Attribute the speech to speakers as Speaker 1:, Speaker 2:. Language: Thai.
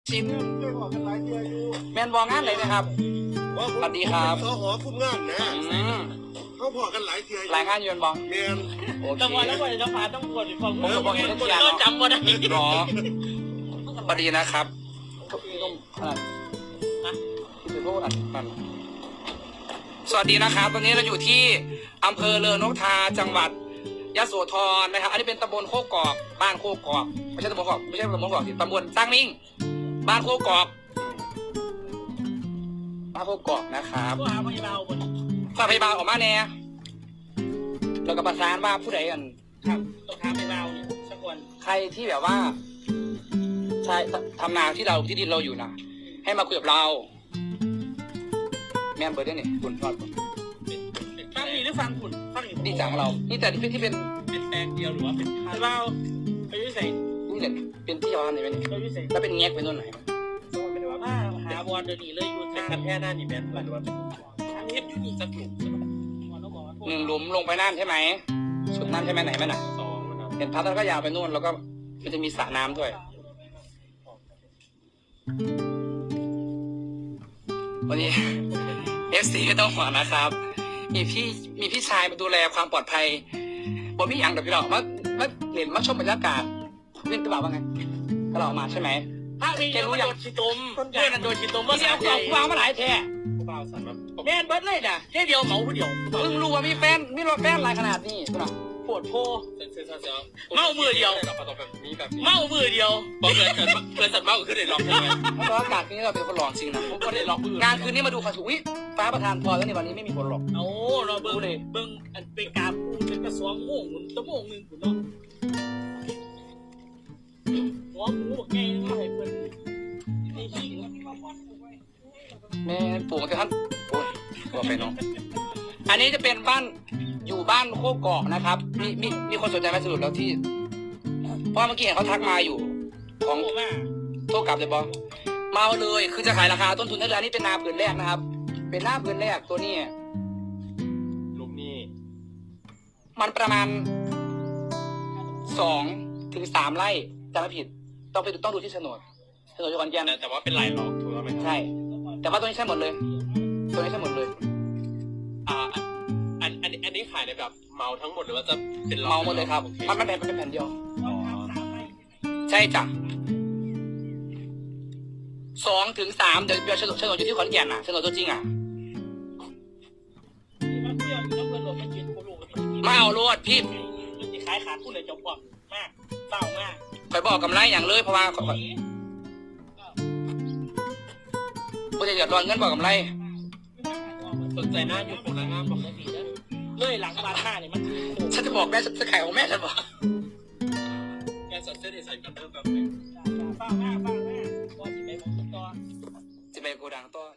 Speaker 1: ชิน
Speaker 2: เรื่องของกันหลายเดือนอยู่
Speaker 1: แมนบองงานเลยนะครับ สวัสดีครับ
Speaker 2: สหคุมงานนะเขาพอกันหลายเดือน
Speaker 1: รายงานอยู่แมนบอง
Speaker 2: เมียน
Speaker 1: โอเค
Speaker 3: จังหวะแล้ววันจะพาต้องปวดอีกฝั่ง
Speaker 1: ผมก็บอกอยู่ในเชียร์
Speaker 3: ก็จำว่าได้
Speaker 1: รอสวัสดีนะครับพี่นุ่มพี่พูดอะไรสวัสดีนะครับตอนนี้เราอยู่ที่อำเภอเลอนกทาจังหวัดยโสธรนะครับอันนี้เป็นตำบลโคกอกบ้านโคกอกไม่ใช่ตำบลโคกอกไม่ใช่ตำบลโคกอกสิตำบลสร้างมิ่งบ้านโคกอกบ้านโคกอกนะครับ
Speaker 3: ก็หาพยาบาลบน
Speaker 1: ฝากพยาบาลออกมาแน่แล้วก็ประสานว่าผู้ใดกัน
Speaker 3: ครับต้องหาพยาบาลนี่สักวัน
Speaker 1: ใครที่แบบว่าใช่ทำนาที่เราที่ดินเราอยู่นะให้มาคุยกับเราแม่นเบอร์ได้เนี่ยคุณทอดคุณ
Speaker 3: ฟังนี่หรือฟังคุณฟังนี่
Speaker 1: นี่จากเรานี่แต่ที่เป็น
Speaker 3: เป็นแปลงเดียวหรือว่าเป็นพยาบาลไปยุ่ยใส่
Speaker 1: นี่เนี่ยเป็นที่เราทำนี่ไหมเนี่ย
Speaker 3: ไปยุ่ยใส่
Speaker 1: แล้วเป็นแงกเป็นต้นไหน
Speaker 3: เป็นว่ามาหาบอลเดินหนีเลยอยู่ทางแค่หน้านี่แม่นหรือว่าเป็นทางเฮ็ดอยู่นี่จะถูกใช่ไหม
Speaker 1: หนึ่งหลุมลงไปนั่นใช่ไหมสุดนั่นใช่ไหมไหนไหมน่ะ
Speaker 3: สองนะครับ
Speaker 1: เห็นพัดแล้วก็ยาวไปนู่นแล้วก็มันจะมีสระน้ำด้วยวันนี้ FC ไม่ต้องห่วงนะครับมีพี่ชายมาดูแลความปลอดภัยบ่มีอย่างเดี๋ยวพี่เรามาเห็นมาชมบรรยากาศเล่นกระเป๋าว่าไงกระเป๋ามาใช่ไหม
Speaker 3: ถ้ามีเยอะโดนชีตมเพื่อนโดนชีตมว่า
Speaker 1: พี่เอาของวางมาหลายแท่
Speaker 3: เปล่าสันแบบแม่นเบิร์ดเลยนะแค่เดียวเหมาผู้เดียว
Speaker 1: เพิ่งรู้ว่ามีแฟนมีรถแฟนหลายขนาดนี้คุณอ่ะ
Speaker 3: ปวดโพเมามือเดียวเมามือเดียว
Speaker 4: เพราะเพื่อนสัตว์เมาขึ้นเลยล็อกใช่ไหม
Speaker 1: เพราะอากาศนี้เราเป็นคนหลอกจริงนะ
Speaker 4: ผมก็ได้ล็อกมือง
Speaker 1: านคืนนี้มาดูค่ะถูกวิฟ้าประทานพรแล้วในวันนี้ไม่มีฝนหรอก
Speaker 3: เอาเราเบิ้งอันเป็นการพูดเป็นกระสวงโม่งหมุนตะโม่งหนึ่งคุณเนาะหัวหมูบอกไงว่าให้เพิ่นนี่ขี้
Speaker 1: แม่ปลูกแต่ท่านโอ้ยบอกไปเนาะอันนี้จะเป็นบ้านอยู่บ้านโคกอกนะครับมีคนสนใจไหมสรุปแล้วที่เพราะเมื่อกี้เห็นเขาทักมาอยู่ของ
Speaker 3: โอ้ว่า
Speaker 1: โทษกลับเลยบอมาเลยคือจะขายราคาต้นทุนได้เลยอันนี้เป็นนาผืนแรกนะครับ เป็นหน้าผืนแรกตัวนี้
Speaker 4: ลุมนี่
Speaker 1: มันประมาณ2 ถึง 3 ไร่จำไม่ผิดต้องดูที่โฉนดอยู่ขอนแก่น
Speaker 4: แต่ว่าเป็นหลายล็อกถูกไหม
Speaker 1: ใช่ แต่ว่าตัวนี้ใช่หมดเลย ตัวนี้ใช่หมดเลย
Speaker 4: อันนี้ขายในแบบเมาทั้งหมดหรือว่าจะเป็นล็อก
Speaker 1: เมาหมดเลยครับมันเป็นแผ่นเดียว ใช่จ้ะ2 ถึง 3เดี๋ยวโฉนดอยู่ที่ขอนแก่นอ่ะโฉนดตัวจริงอ่ะมาเอาโลดพี่
Speaker 3: มันจะขายขาดทุนเลยจบบอกมากเศร้ามาก
Speaker 1: คอยบอกกำไรอย่างเลยเพราะว่าผู้จะเดือดร้อนเงินบอกกำไร
Speaker 4: สนใจหน้าอยู่ของนางงามบอก
Speaker 3: ได้ดีนะเลยหลังบ้านหน้าเนี่ยมัน
Speaker 1: ฉันจะบอกแม่จะขายของแม่ฉันบอก
Speaker 4: แกสัตว์เส้นใส่กันเริ่มแบบ
Speaker 3: ป้าหน้าว่าสิไปมองต่อ
Speaker 1: จะไปโกดังต่อ